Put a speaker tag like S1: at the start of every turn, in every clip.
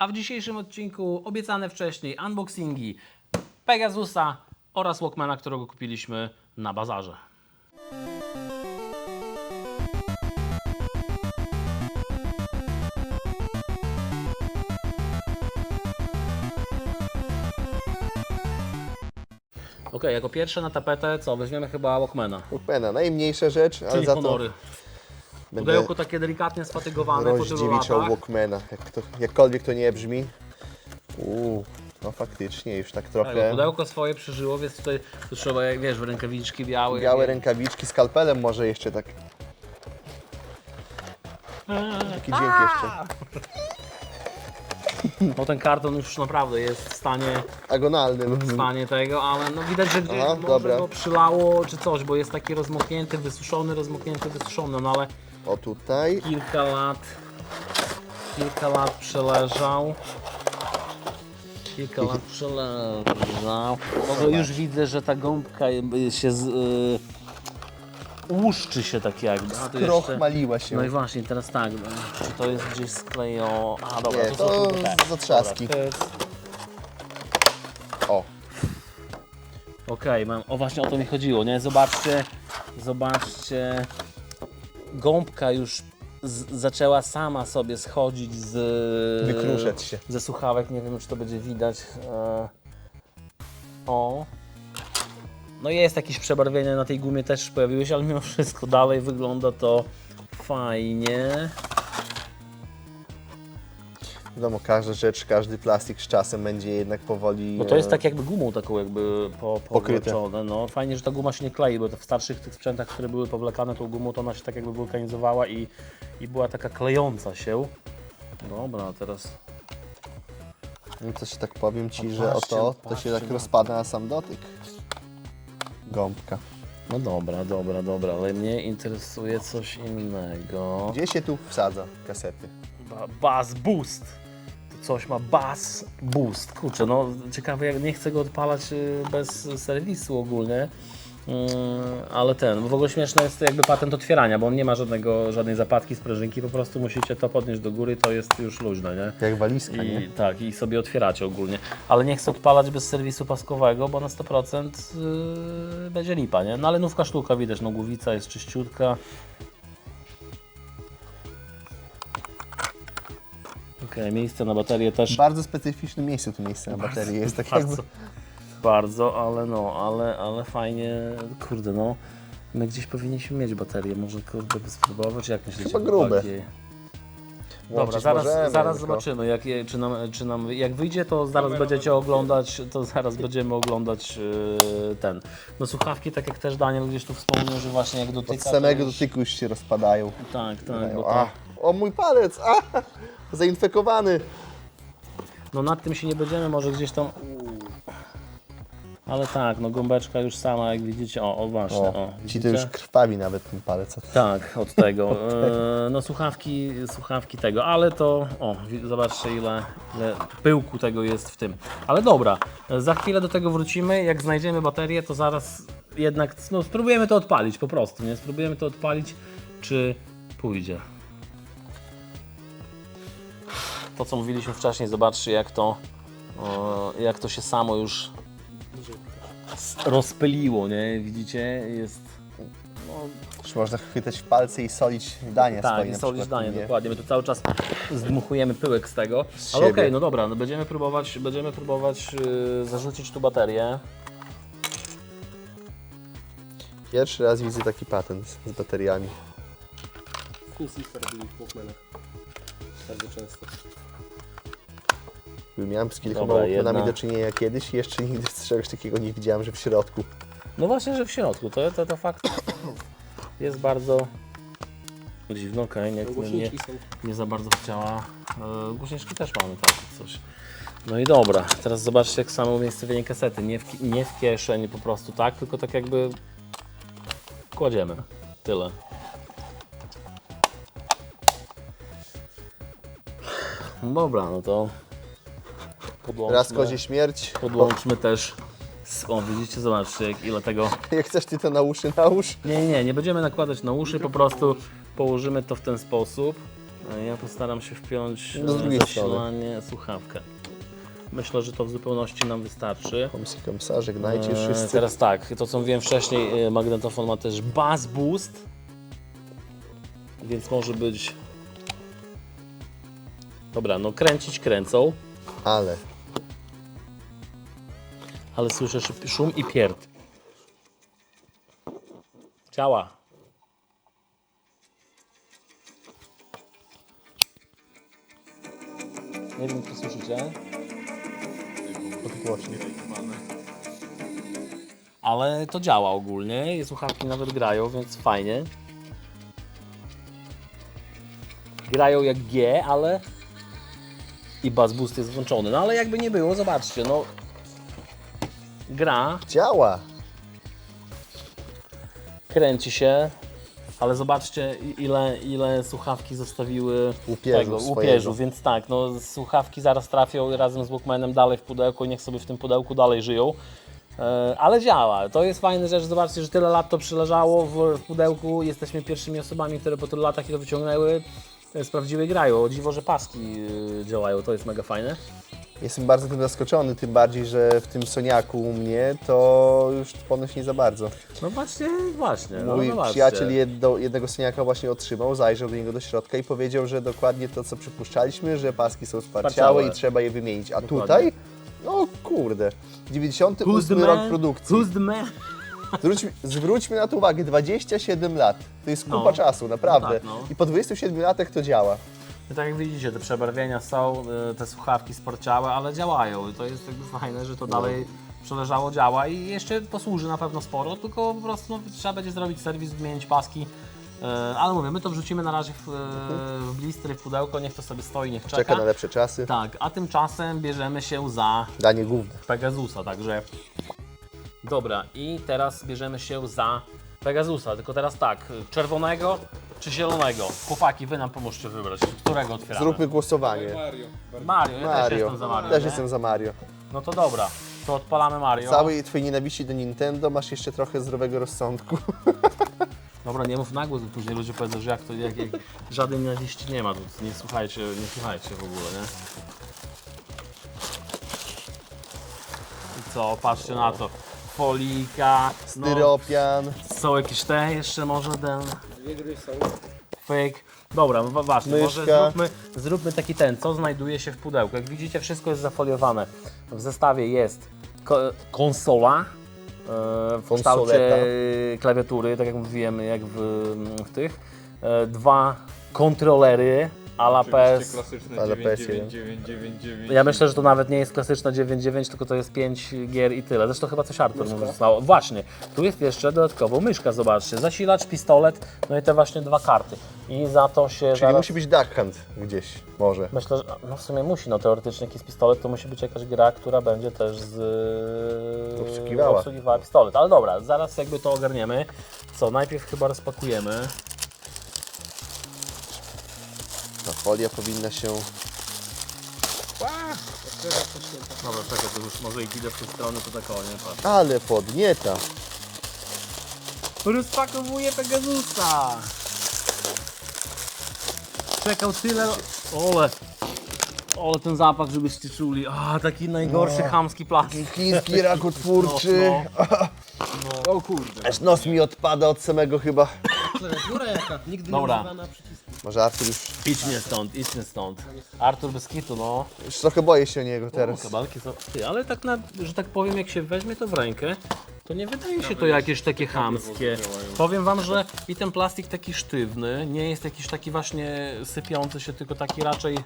S1: A w dzisiejszym odcinku obiecane wcześniej unboxingi Pegasusa oraz Walkmana, którego kupiliśmy na bazarze. Ok, jako pierwsze na tapetę co? Weźmiemy chyba Walkmana.
S2: Walkmana, najmniejsza rzecz, ale
S1: Czyli
S2: za
S1: honory.
S2: to
S1: Pudełko takie delikatnie sfatygowane po tylu
S2: rozdziewiczał
S1: latach.
S2: Walkmana, jakkolwiek to nie brzmi. No faktycznie, już tak
S1: Tak,
S2: trochę
S1: pudełko swoje przeżyło, więc tutaj tu trzeba, jak wiesz, rękawiczki białe.
S2: białe rękawiczki, skalpelem może jeszcze tak. Taki dźwięk jeszcze.
S1: No ten karton już naprawdę jest w stanie
S2: Agonalnym.
S1: tego, ale no widać, że gdzieś
S2: Aha,
S1: może
S2: dobra.
S1: go przylało czy coś, bo jest taki rozmoknięty, wysuszony, no ale
S2: O tutaj.
S1: kilka lat przeleżał. No to już widzę, że ta gąbka się łuszczy się tak jakby. A tu jeszcze-
S2: Krochmaliła się.
S1: No i właśnie, teraz tak, czy to jest gdzieś sklejone? A dobra,
S2: Nie,
S1: to
S2: to
S1: są te.
S2: z otrzaski.
S1: Dobra, to jest...
S2: O,
S1: Okej, o właśnie o to mi chodziło, nie? Zobaczcie, gąbka już zaczęła sama sobie schodzić
S2: Wykruszać się.
S1: ze słuchawek, nie wiem czy to będzie widać. O. No jest jakieś przebarwienie na tej gumie też pojawiły się, ale mimo wszystko dalej wygląda to fajnie.
S2: wiadomo, każda rzecz, każdy plastik z czasem będzie jednak powoli...
S1: No to jest tak jakby gumą taką jakby
S2: Pokryte.
S1: powleczone. No fajnie, że ta guma się nie klei, bo to w starszych tych sprzętach, które były powlekane tą gumą, to ona się tak jakby wulkanizowała i była taka klejąca się. Dobra, teraz
S2: No to się tak powiem Ci,
S1: A
S2: że
S1: patrzcie,
S2: to się
S1: patrzcie
S2: tak
S1: na to.
S2: rozpada na sam dotyk. Gąbka.
S1: no dobra, ale mnie interesuje coś innego.
S2: Gdzie się tu wsadza kasety?
S1: Bass Boost. To coś ma Bass Boost. Kurczę, no ciekawe, jak nie chcę go odpalać bez serwisu ogólnie. Ale bo w ogóle śmieszny jest jakby patent otwierania, bo on nie ma żadnej zapadki, sprężynki, po prostu musicie to podnieść do góry, to jest już luźne, nie?
S2: Jak walizka, nie?
S1: I tak, i sobie otwieracie ogólnie. Ale nie chcę odpalać bez serwisu paskowego, bo na 100% będzie lipa, nie? No ale nówka sztuka, widać, no głowica jest czyściutka. Okej, miejsce na baterię
S2: W
S1: też
S2: bardzo specyficznym miejscu to miejsce na baterii jest tak jakby...
S1: bardzo, ale fajnie, kurde no. My gdzieś powinniśmy mieć baterię, może kurde spróbować, jak myślicie?
S2: Chyba grube.
S1: chłopaki? Dobra,
S2: Łączyć
S1: zaraz
S2: możemy, tylko-
S1: zobaczymy, czy nam, jak wyjdzie, to zaraz będziecie oglądać, będziemy oglądać no słuchawki, tak jak też Daniel gdzieś tu wspomniał, że właśnie jak dotyka...
S2: Od samego
S1: to już-
S2: dotyku już się rozpadają.
S1: Tak, bo to,
S2: A, o mój palec! A, zainfekowany!
S1: no nad tym się nie będziemy, może gdzieś tam... Ale tak, no gąbeczka już sama, jak widzicie, o właśnie,
S2: O, ci
S1: widzicie?
S2: to już krwawi nawet ten palec.
S1: Tak, od tego. No słuchawki tego, ale to, zobaczcie ile pyłku tego jest w tym. Ale dobra, za chwilę do tego wrócimy. Jak znajdziemy baterię, to zaraz jednak spróbujemy to odpalić po prostu, nie? Spróbujemy to odpalić, czy pójdzie. To co mówiliśmy wcześniej, zobaczcie jak to się samo już rozpyliło, nie? Widzicie? Jest...
S2: Już można chwytać w palce i solić danie
S1: Tak,
S2: swoje
S1: i
S2: na
S1: solić
S2: przykład,
S1: danie,
S2: nie?
S1: dokładnie. My tu cały czas zdmuchujemy pyłek z tego.
S2: Z
S1: Ale
S2: siebie.
S1: okej, no dobra, no będziemy próbować zarzucić tu baterię.
S2: Pierwszy raz widzę taki patent z bateriami.
S3: Insista robili w Walkmanach. Bardzo często.
S2: Miałem z kilkoma
S1: Dobra,
S2: Walkmanami
S1: jedna.
S2: do czynienia kiedyś i jeszcze nigdy z czegoś takiego nie widziałem, że w środku.
S1: No właśnie, że w środku, to fakt jest bardzo dziwno, okej,
S3: Głośniki są.
S1: nie za bardzo chciała. Głośniczki też mamy tak coś. No i dobra, teraz zobaczcie jak samo umiejscowienie kasety, nie w kieszeni po prostu tak, tylko tak jakby kładziemy, tyle. Dobra, no to
S2: Raz kozie śmierć.
S1: podłączmy też, o widzicie, zobaczcie ile tego...
S2: Jak chcesz ty to na uszy, nałóż.
S1: Nie będziemy nakładać na uszy, po prostu położymy to w ten sposób. Ja postaram się wpiąć
S2: No, z drugiej
S1: zasilanie, słuchawkę. Myślę, że to w zupełności nam wystarczy.
S2: Komsa, żegnajcie wszyscy.
S1: Teraz tak, to co mówiłem wcześniej, magnetofon ma też bass boost, więc może być... Dobra, no kręcić kręcą, ale słyszę szum i pierd. Działa. Nie wiem, czy słyszycie. Ale to działa ogólnie i słuchawki nawet grają, więc fajnie. Grają jak G, ale i bass boost jest włączony. No ale jakby nie było, zobaczcie, no gra,
S2: Działa.
S1: kręci się, ale zobaczcie ile słuchawki zostawiły
S2: Łupieżu
S1: łupieżu,
S2: swojego.
S1: więc tak, no słuchawki zaraz trafią razem z Walkmanem dalej w pudełku i niech sobie w tym pudełku dalej żyją. Ale działa, to jest fajna rzecz, zobaczcie, że tyle lat to przeleżało w pudełku, jesteśmy pierwszymi osobami, które po tylu latach to wyciągnęły, sprawdziły i grają. O dziwo, że paski działają, to jest mega fajne.
S2: Jestem bardzo tym zaskoczony, tym bardziej, że w tym Soniaku u mnie to już ponoć nie za bardzo.
S1: No właśnie, no
S2: Mój
S1: zobaczcie.
S2: przyjaciel jednego Soniaka właśnie otrzymał, zajrzał do niego do środka i powiedział, że dokładnie to, co przypuszczaliśmy, że paski są sparciałe i trzeba je wymienić. A
S1: Dokładnie.
S2: tutaj? No kurde, 98 rok produkcji.
S1: Who's the man?
S2: Zwróćmy na to uwagę, 27 lat. To jest kupa
S1: No.
S2: czasu, naprawdę.
S1: No tak, no.
S2: I po 27 latach to działa.
S1: No tak jak widzicie, te przebarwienia są, te słuchawki sporciałe, ale działają. I to jest jakby fajne, że to dalej przeleżało, działa i jeszcze posłuży na pewno sporo, tylko po prostu no, trzeba będzie zrobić serwis, wymienić paski. Ale mówię, my to wrzucimy na razie w blistry, w pudełko, niech to sobie stoi, niech czeka.
S2: Czeka na lepsze czasy.
S1: Tak, a tymczasem bierzemy się za
S2: Danie główne.
S1: Pegasusa, także... Dobra, i teraz bierzemy się za Pegasusa, tylko teraz tak, czerwonego czy zielonego? Chłopaki, wy nam pomóżcie wybrać, którego otwieramy?
S2: Zróbmy głosowanie.
S3: Mario.
S1: Mario, ja też jestem za Mario.
S2: Też
S1: nie?
S2: jestem za Mario.
S1: No to dobra, to odpalamy Mario.
S2: Całej twojej nienawiści do Nintendo masz jeszcze trochę zdrowego rozsądku.
S1: Dobra, nie mów na głos, bo później ludzie powiedzą, że jak żadnej nienawiści nie ma, to nie słuchajcie w ogóle, nie? I co, patrzcie na to. Folika, no,
S2: Styropian.
S1: są jakieś te jeszcze może ten
S3: Dwie gry są.
S1: fake. Dobra, ważne, może
S2: Myszka.
S1: zróbmy taki ten, co znajduje się w pudełku. Jak widzicie, wszystko jest zafoliowane. W zestawie jest konsola w kształcie
S2: Konsoleta.
S1: klawiatury, tak jak mówiłem, jak w tych. Dwa kontrolery a la PS.
S4: Klasyczne
S2: Ale
S4: 99999.
S1: Ja myślę, że to nawet nie jest klasyczna 9.9, tylko to jest 5 gier i tyle. Zresztą chyba coś Artur mu zostało. Właśnie, tu jest jeszcze dodatkowo myszka, zobaczcie. Zasilacz, pistolet, no i te właśnie dwa karty. I za to się
S2: Czyli
S1: zaraz...
S2: musi być Duck Hunt gdzieś, może.
S1: Myślę, że no w sumie musi, no teoretycznie jakiś pistolet to musi być jakaś gra, która będzie też obsługiwała pistolet. Ale dobra, zaraz jakby to ogarniemy. Co, najpierw chyba rozpakujemy.
S2: Ta folia powinna się...
S1: Dobra, czekaj, to już może i idę w tę stronę, to tak o, nie patrz.
S2: Ale podnieta.
S1: Rozpakowuję Pegasusa! Czekał tyle... Ole ten zapach, żebyście czuli. A, taki najgorszy chamski plastik.
S2: Chiński rakotwórczy.
S3: O kurde.
S2: Aż nos mi odpada od samego chyba.
S3: Klawiatura jaka? Nigdy
S1: Dobra.
S3: nie używana przycisku.
S2: Może Artur już...
S1: Idźmy stąd. Artur bez kitu, no.
S2: Już trochę boję się o niego teraz.
S1: Kabalki są... Ty, ale tak że tak powiem, jak się weźmie to w rękę, to nie wydaje się to jakieś takie chamskie. Powiem wam, że i ten plastik taki sztywny, nie jest jakiś taki właśnie sypiący się, tylko taki raczej...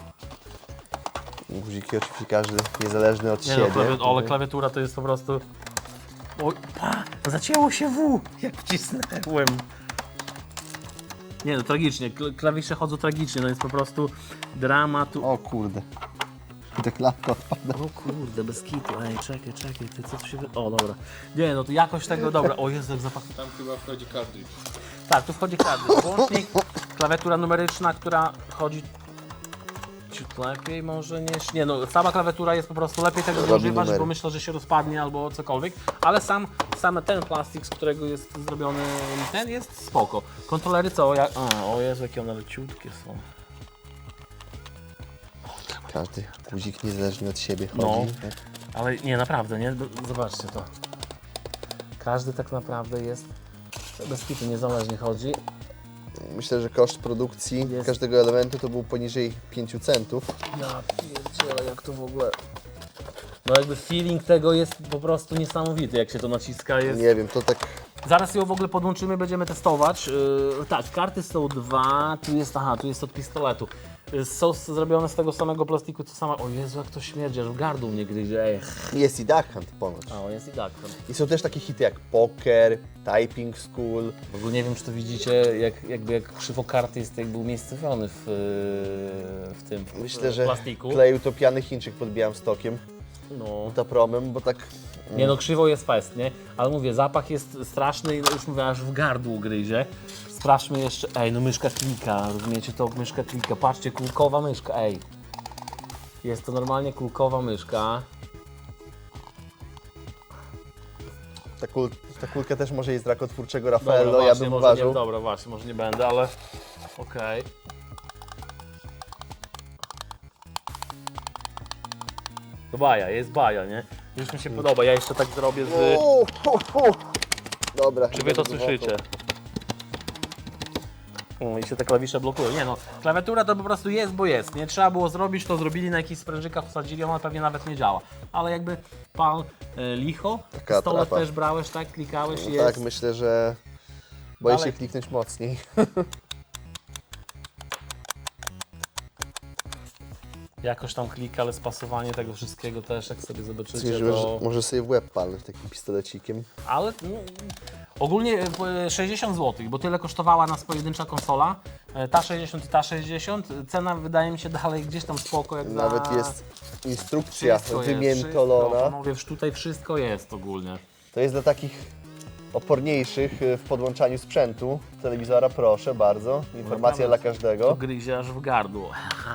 S2: Guziki oczywiście każdy niezależny od
S1: Nie no,
S2: siebie.
S1: ale klawiatura to jest po prostu... Oj, zacięło się W, jak wcisnęłem. Nie no, tragicznie, klawisze chodzą tragicznie, no jest po prostu dramatu.
S2: O kurde. I ta klapka odpada.
S1: O kurde, bez kitu, ej, czekaj, ty co tu się... O, dobra. Nie no, to jakoś tego, dobra, o Jezu, jak zapach...
S4: Tam chyba wchodzi cartridge.
S1: Tak, tu wchodzi karty, włącznik, klawiatura numeryczna, która chodzi ciut lepiej może niż... Nie no, sama klawiatura jest po prostu lepiej tego nie
S2: Robi
S1: używać,
S2: numery.
S1: bo myślę, że się rozpadnie albo cokolwiek, ale sam ten plastik, z którego jest zrobiony ten jest spoko. Kontrolery co? O Jezu, jakie one leciutkie są.
S2: Każdy guzik niezależnie od siebie chodzi.
S1: No.
S2: Tak?
S1: Ale nie, naprawdę, nie? Zobaczcie to. Każdy tak naprawdę jest bez kitu, niezależnie chodzi.
S2: Myślę, że koszt produkcji
S1: Jest.
S2: każdego elementu to był poniżej 5 centów.
S1: Ja pierdzielę, jak to w ogóle... No jakby feeling tego jest po prostu niesamowity, jak się to naciska. Jest...
S2: Nie wiem, to tak
S1: Zaraz ją w ogóle podłączymy, będziemy testować. Tak, karty są dwa, tu jest od pistoletu. Są zrobione z tego samego plastiku, co sama... O Jezu, jak to śmierdzi, aż w gardło mnie gryzie. Ej.
S2: jest i Duck Hunt ponoć.
S1: A, on jest i tak.
S2: I są też takie hity jak Poker, Typing School.
S1: W ogóle nie wiem, czy to widzicie, jak krzywo karty jest jakby umiejscowiony w tym
S2: Myślę, że
S1: plastiku.
S2: kleił to pijany Chińczyk pod Białymstokiem,
S1: No.
S2: tapromem, bo tak...
S1: Nie no, krzywo jest fest, nie? Ale mówię, zapach jest straszny i już mówię, aż w gardło gryzie. Sprawdźmy jeszcze, ej, no myszka klika, rozumiecie to? Myszka klika, patrzcie, kulkowa myszka, ej. Jest to normalnie kulkowa myszka.
S2: Ta kulka też może jest z rakotwórczego
S1: Dobra,
S2: Raffaello, ja
S1: właśnie,
S2: bym
S1: może
S2: uważał.
S1: nie, dobra, właśnie, może nie będę, ale okej. To baja, jest baja, nie? Już mi się podoba, ja jeszcze tak zrobię z...
S2: Dobra.
S1: Czy wy to
S2: dobra,
S1: słyszycie? I się te klawisze blokują. Nie no, klawiatura to po prostu jest, bo jest. Nie trzeba było zrobić, to zrobili na jakichś sprężykach, wsadzili, ona pewnie nawet nie działa. Ale jakby pal licho,
S2: Taka
S1: pistolet
S2: atrapa.
S1: też brałeś, tak? Klikałeś,
S2: No
S1: jest.
S2: tak, myślę, że boję
S1: Dalej.
S2: się kliknąć mocniej.
S1: Jakoś tam klika, ale spasowanie tego wszystkiego też, jak sobie zobaczycie,
S2: Stwierdziłem,
S1: to...
S2: że może sobie w łeb palnąć takim pistolecikiem.
S1: Ale no, ogólnie 60 zł, bo tyle kosztowała nas pojedyncza konsola. Ta 60 i ta 60. Cena wydaje mi się dalej gdzieś tam spoko, jak za...
S2: Nawet jest instrukcja
S1: Wszystko jest,
S2: wymiętolona.
S1: wszystko. Mówię, tutaj wszystko jest ogólnie.
S2: To jest dla takich oporniejszych w podłączaniu sprzętu. Telewizora proszę bardzo. Informacja dla
S1: To
S2: każdego.
S1: gryzie aż w gardło.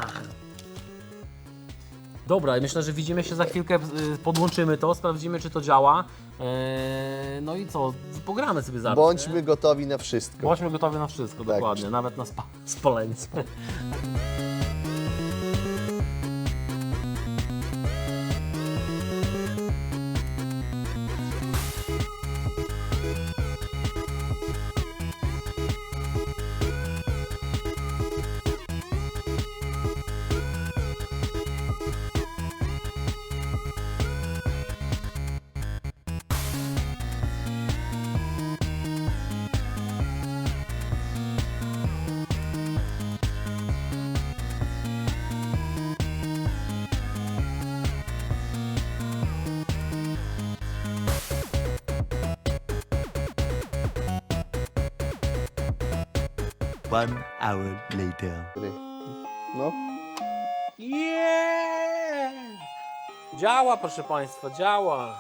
S1: Dobra, myślę, że widzimy się za chwilkę, podłączymy to, sprawdzimy, czy to działa. No i co, pogramy sobie zaraz.
S2: Bądźmy
S1: nie?
S2: gotowi na wszystko.
S1: Bądźmy gotowi na wszystko,
S2: Tak.
S1: dokładnie, nawet na spalenie.
S5: One hour later.
S2: No.
S1: Yeah! Działa, proszę Państwa, działa.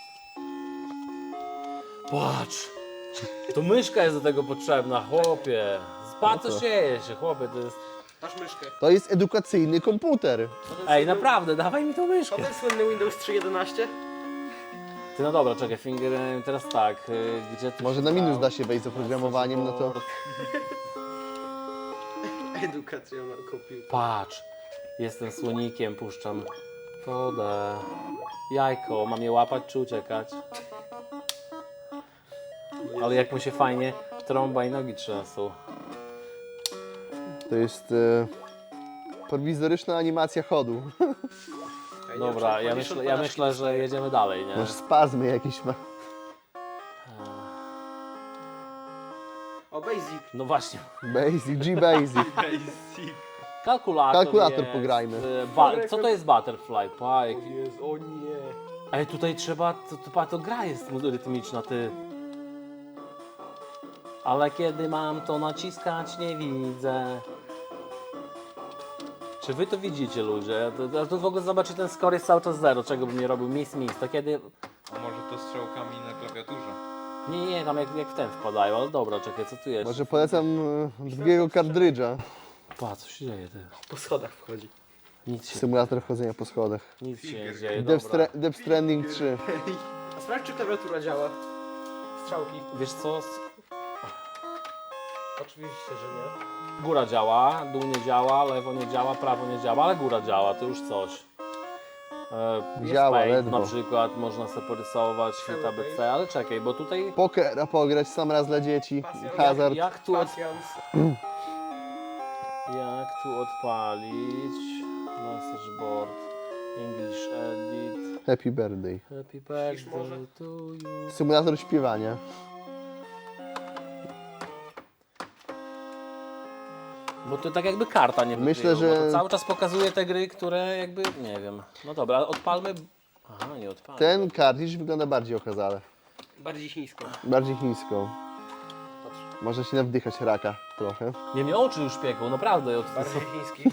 S1: Patrz, to myszka jest do tego potrzebna, chłopie. Patrz, co dzieje się, chłopie, to jest...
S3: Masz myszkę.
S2: To jest edukacyjny komputer.
S1: Ej, naprawdę, dawaj mi tą myszkę.
S3: To jest słynny Windows 3.11?
S1: Ty, no dobra, czekaj, teraz tak, gdzie ty
S2: Może na minus da się wejść z oprogramowaniem, no to...
S3: Edukacja na komputer.
S1: Patrz, jestem słonikiem, puszczam wodę. Jajko, mam je łapać czy uciekać? Ale jak mu się fajnie trąba i nogi trzęsą.
S2: To jest prowizoryczna animacja chodu.
S1: Dobra, ja myślę, że jedziemy dalej, nie?
S2: Może spazmy jakieś ma.
S3: O, Basic.
S1: No właśnie,
S2: Basic, G-Basic. Kalkulator
S1: jest.
S2: pograjmy.
S1: Co to jest Butterfly? Pa, jaki...
S3: Jest, o nie.
S1: Ej, tutaj trzeba, to gra jest rytmiczna, ty. Ale kiedy mam to naciskać, nie widzę. Czy wy to widzicie, ludzie? To w ogóle zobaczcie, ten score jest cały czas 0, czego bym nie robił, miss. To kiedy...
S4: A może to strzałkami na klawiaturze?
S1: Nie, tam jak w ten wpadają, ale dobra, czekaj, co tu jest?
S2: Może polecam drugiego kartridża.
S1: Pa, co się dzieje, ty?
S3: Po schodach wchodzi.
S2: Symulator chodzenia po schodach.
S1: Nic się nie dzieje,
S2: Death,
S1: dobra.
S2: Death Stranding 3.
S3: A sprawdź, czy klawiatura działa. Strzałki.
S1: Wiesz co?
S3: Oczywiście, że nie.
S1: Góra działa, dół nie działa, lewo nie działa, prawo nie działa, ale góra działa, to już coś. Jest
S2: Działa,
S1: paint
S2: ledwo.
S1: na przykład, można sobie porysować, świt ABC, ale czekaj, bo tutaj
S2: Pokera pograć sam raz dla dzieci. Hazard.
S1: jak tu odpalić? Message board, English edit,
S2: Happy birthday.
S1: happy
S3: Śpisz może?
S1: birthday to you.
S2: Symulator śpiewania.
S1: Bo to tak jakby karta nie
S2: Myślę,
S1: wykryło, bo
S2: że-
S1: to cały czas pokazuje te gry, które jakby, nie wiem. No dobra, odpalmy. Aha, nie odpalmy.
S2: Ten kartridż wygląda bardziej okazale.
S3: Bardziej chińsko.
S2: Bardziej chińską. Można się nawdychać raka trochę.
S1: Nie, mnie oczy już pieką, naprawdę.
S3: Bardziej chiński.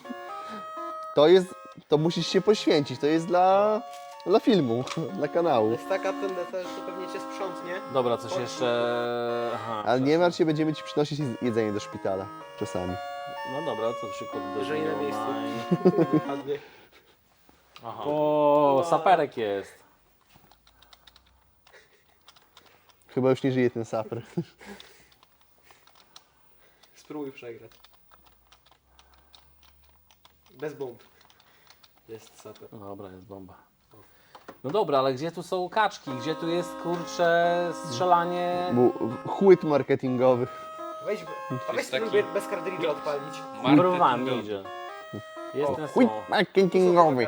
S2: To musisz się poświęcić, to jest dla filmu, dla kanału.
S3: Jest taka tendencja, że to pewnie cię sprzątnie.
S1: Dobra, coś jeszcze... Aha,
S2: Ale nie martw się, będziemy ci przynosić jedzenie do szpitala. Czasami.
S1: No dobra, to przykład do
S3: Jeżeli na miejscu. Ładnie.
S1: Aha. O, saperek jest.
S2: Chyba już nie żyje ten saper.
S3: Spróbuj przegrać. Bez bomb. Jest saper.
S1: No dobra, jest bomba. No dobra, ale gdzie tu są kaczki? Gdzie tu jest, kurcze, strzelanie?
S2: Był chłyt marketingowy.
S3: Weź
S4: taki-
S3: spróbuj bez kartridża odpalić.
S1: Kurwa, nie idzie. Jest ten
S2: Chłyt
S1: słowo.
S2: marketingowy.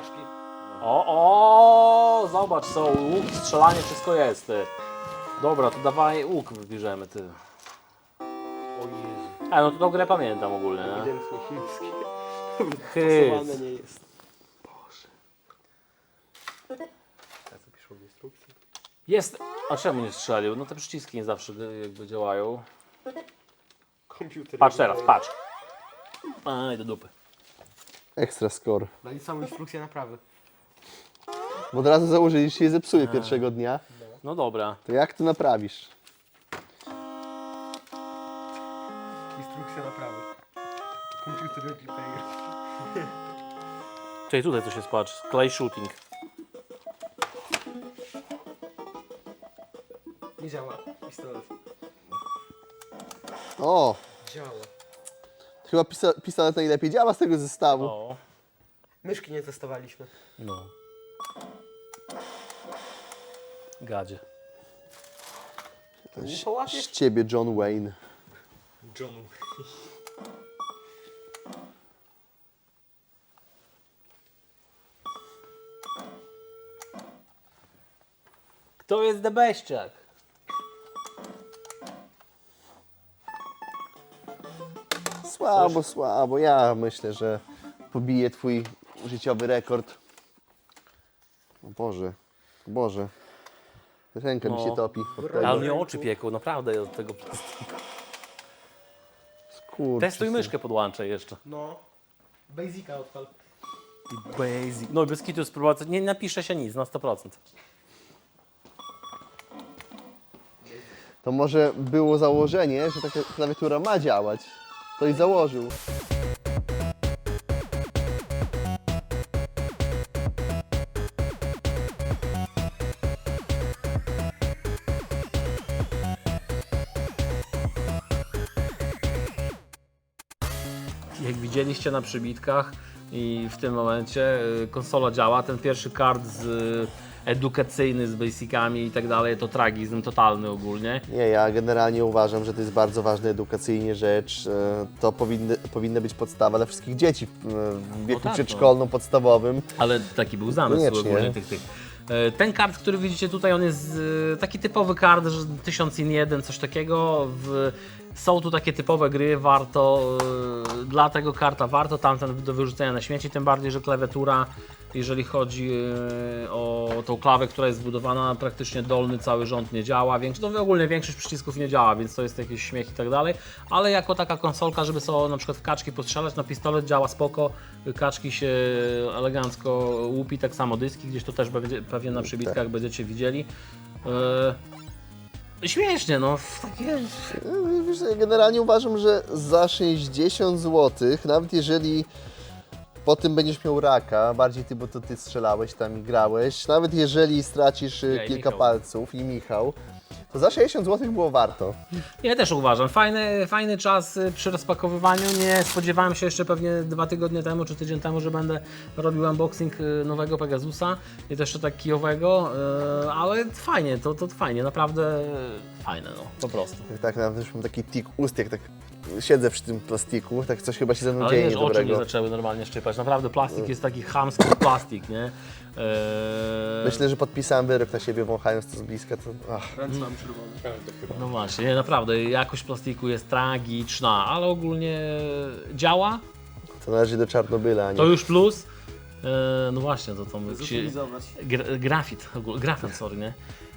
S1: O, zobacz, są łuk, strzelanie, wszystko jest, ty. Dobra, to dawaj łuk wybierzemy, ty.
S3: O Jezu.
S1: A, no to tą grę pamiętam ogólnie, nie?
S3: Ewidentnie chiński.
S1: Hyc.
S3: Pasowane nie jest. Boże. Ja co piszą w instrukcji?
S1: Jest, a czemu nie strzelił? No te przyciski nie zawsze jakby działają.
S3: Komputer.
S1: Patrz teraz, patrz. Aj, do dupy.
S2: Ekstra score.
S3: Dali samą instrukcję naprawy.
S2: Bo od razu założyli, że się zepsuje pierwszego dnia.
S1: No dobra.
S2: To jak to naprawisz?
S3: Instrukcja naprawy. Komputer replayer.
S1: Czyli tutaj coś jest, patrz. Clay shooting.
S3: Nie działa. Pistolet.
S2: O!
S3: Działa.
S2: Chyba pistolet najlepiej działa z tego zestawu.
S1: O.
S3: Myszki nie testowaliśmy.
S1: No. Gadzie.
S3: Nie połapiesz?
S2: Z ciebie John Wayne.
S3: John.
S1: Kto jest debeściak?
S2: Słabo, słabo. Ja myślę, że pobije twój życiowy rekord. O Boże, Boże. Ręka mi
S1: No.
S2: się topi. od
S1: Ale
S2: tego.
S1: mnie oczy pieką, naprawdę od tego.
S2: Kurczę,
S1: Testuj myszkę podłączę jeszcze.
S3: No. Basica odpal.
S1: Basic. No bez kitu spróbować. Nie napisze się nic na 100%.
S2: To może było założenie, że taka klawiatura ma działać. To i założył.
S1: Jak widzieliście na przybitkach i w tym momencie konsola działa, ten pierwszy kart edukacyjny z basicami i tak dalej, to tragizm totalny ogólnie.
S2: Nie, ja generalnie uważam, że to jest bardzo ważna edukacyjnie rzecz. To powinna być podstawa dla wszystkich dzieci w wieku
S1: tak, no.
S2: przedszkolno-podstawowym.
S1: Ale taki był zamysł
S2: Koniecznie.
S1: ogólnie tych. Ten kart, który widzicie tutaj, on jest taki typowy kart, że 1001, coś takiego. Są tu takie typowe gry, warto, dla tego karta warto, tamten do wyrzucenia na śmieci, tym bardziej, że klawiatura, jeżeli chodzi o tą klawę, która jest zbudowana, praktycznie dolny cały rząd nie działa, no ogólnie większość przycisków nie działa, więc to jest jakiś śmiech i tak dalej, ale jako taka konsolka, żeby sobie na przykład w kaczki postrzelać, no pistolet działa spoko, kaczki się elegancko łupi, tak samo dyski, gdzieś to też pewnie na przybitkach będziecie widzieli. Śmiesznie, no. Takie...
S2: Wiesz, ja generalnie uważam, że za 60 zł, nawet jeżeli Po tym będziesz miał raka, bardziej ty, bo to ty strzelałeś tam i grałeś. Nawet jeżeli stracisz
S1: Ja i
S2: kilka
S1: Michał.
S2: palców i Michał, to za 60 zł było warto.
S1: Ja też uważam. Fajny czas przy rozpakowywaniu. Nie spodziewałem się jeszcze pewnie 2 tygodnie temu czy tydzień temu, że będę robił unboxing nowego Pegasusa i też jeszcze tak kijowego, ale fajnie, to fajnie, naprawdę fajne, no, po prostu.
S2: Tak, nawet już mam taki tik ust, jak tak siedzę przy tym plastiku, tak coś chyba się ze mną
S1: Ale
S2: dzieje
S1: wiesz, oczy nie
S2: niedobrego.
S1: zaczęły normalnie szczypać. Naprawdę plastik jest taki chamski plastik, nie?
S2: Myślę, że podpisałem wyrok na siebie, wąchając to z bliska. To, ach.
S3: Ręce mam czerwone.
S1: No właśnie, nie, naprawdę, jakość plastiku jest tragiczna, ale ogólnie działa,
S2: To należy do Czarnobyla, a nie.
S1: to już plus. No właśnie, to tam
S3: Zutylizować.
S1: grafit, sorry, nie?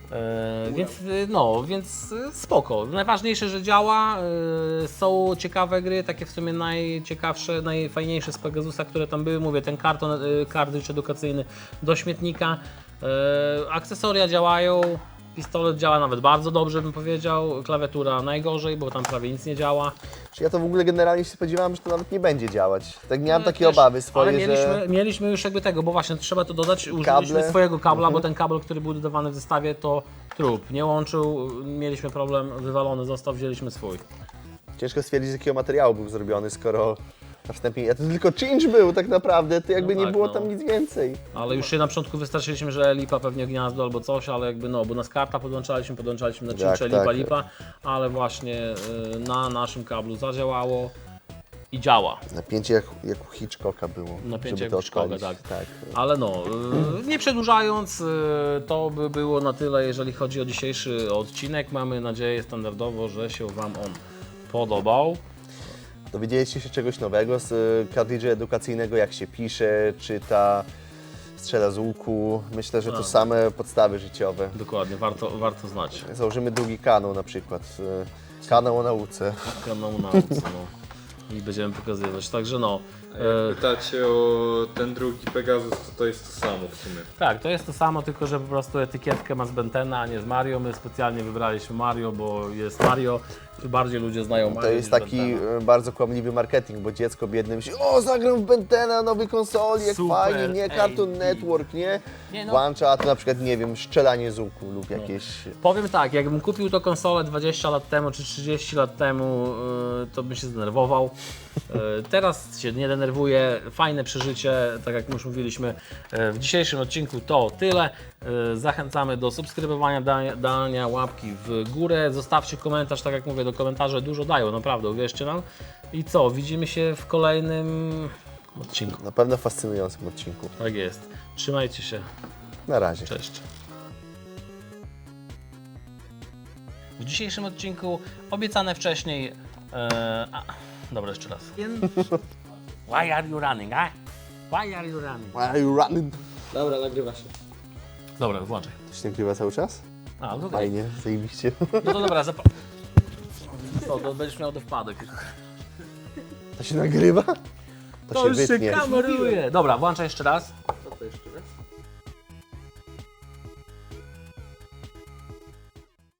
S1: Więc spoko. Najważniejsze, że działa, są ciekawe gry, takie w sumie najciekawsze, najfajniejsze z Pegasusa, które tam były, mówię, ten karton, kartridż edukacyjny do śmietnika, akcesoria działają, pistolet działa nawet bardzo dobrze, bym powiedział, klawiatura najgorzej, bo tam prawie nic nie działa.
S2: Czy ja to w ogóle generalnie się spodziewałem, że to nawet nie będzie działać. Tak miałem takie
S1: Też,
S2: obawy swoje,
S1: ale
S2: że...
S1: mieliśmy już jakby tego, bo właśnie trzeba to dodać, użyliśmy
S2: Kable.
S1: swojego kabla, bo ten kabel, który był dodawany w zestawie, to trup, nie łączył, mieliśmy problem, wywalony został, wzięliśmy swój.
S2: Ciężko stwierdzić, z jakiego materiału był zrobiony, skoro na wstępie... To tylko czynsz był tak naprawdę, to jakby
S1: No
S2: nie
S1: tak,
S2: było
S1: no.
S2: tam nic więcej.
S1: Ale już się na początku wystraszyliśmy, że lipa pewnie gniazdo albo coś, ale jakby no, bo nas karta podłączaliśmy na czynsze
S2: tak.
S1: lipa, ale właśnie na naszym kablu zadziałało i działa.
S2: Napięcie jak u Hitchcocka było,
S1: Napięcie
S2: żeby
S1: jak
S2: to
S1: u Hitchcocka,
S2: odpalić.
S1: tak. Ale no, nie przedłużając, to by było na tyle, jeżeli chodzi o dzisiejszy odcinek. Mamy nadzieję standardowo, że się Wam on podobał.
S2: Dowiedzieliście się czegoś nowego z kartridża edukacyjnego, jak się pisze, czyta, strzela z łuku. Myślę, że to same podstawy życiowe.
S1: Dokładnie, warto znać.
S2: Założymy drugi kanał na przykład, kanał o nauce.
S1: Kanał nauce, no. I będziemy pokazywać, także no.
S4: Jak pytacie o ten drugi Pegasus, to jest to samo w sumie.
S1: Tak, to jest to samo, tylko że po prostu etykietkę ma z Bentena, a nie z Mario. My specjalnie wybraliśmy Mario, bo jest Mario, bardziej ludzie znają Mario
S2: To jest
S1: niż
S2: taki
S1: Bentena.
S2: bardzo kłamliwy marketing, bo dziecko biedne myśli, o zagram w Bentena, nowej konsoli, jak
S1: Super,
S2: fajnie, nie, Cartoon
S1: ej,
S2: Network, nie?
S1: Nie, no.
S2: Włącza, a to na przykład, nie wiem, strzelanie z łuku lub jakieś...
S1: Powiem tak, jakbym kupił tą konsolę 20 lat temu czy 30 lat temu, to bym się zdenerwował. Teraz się nie denerwuję, fajne przeżycie, tak jak już mówiliśmy w dzisiejszym odcinku to tyle. Zachęcamy do subskrybowania, dania łapki w górę, zostawcie komentarz, tak jak mówię, do komentarze dużo dają, naprawdę, uwierzcie nam. I co, widzimy się w kolejnym odcinku.
S2: Na pewno fascynującym odcinku.
S1: Tak jest, trzymajcie się,
S2: Na razie.
S1: cześć. W dzisiejszym odcinku obiecane wcześniej. Dobra, jeszcze raz. Why are you running, eh? Why are you running?
S2: Why are you running?
S3: Dobra, nagrywa się.
S1: Dobra, włączaj.
S2: To się nagrywa cały czas?
S1: No to
S2: Fajnie, zajebiście.
S1: No to dobra, co, to będziesz miał do wpadek.
S2: To się nagrywa? To się wytnie.
S1: kameruje. Dobra, włączaj jeszcze raz.
S3: Co to jeszcze raz?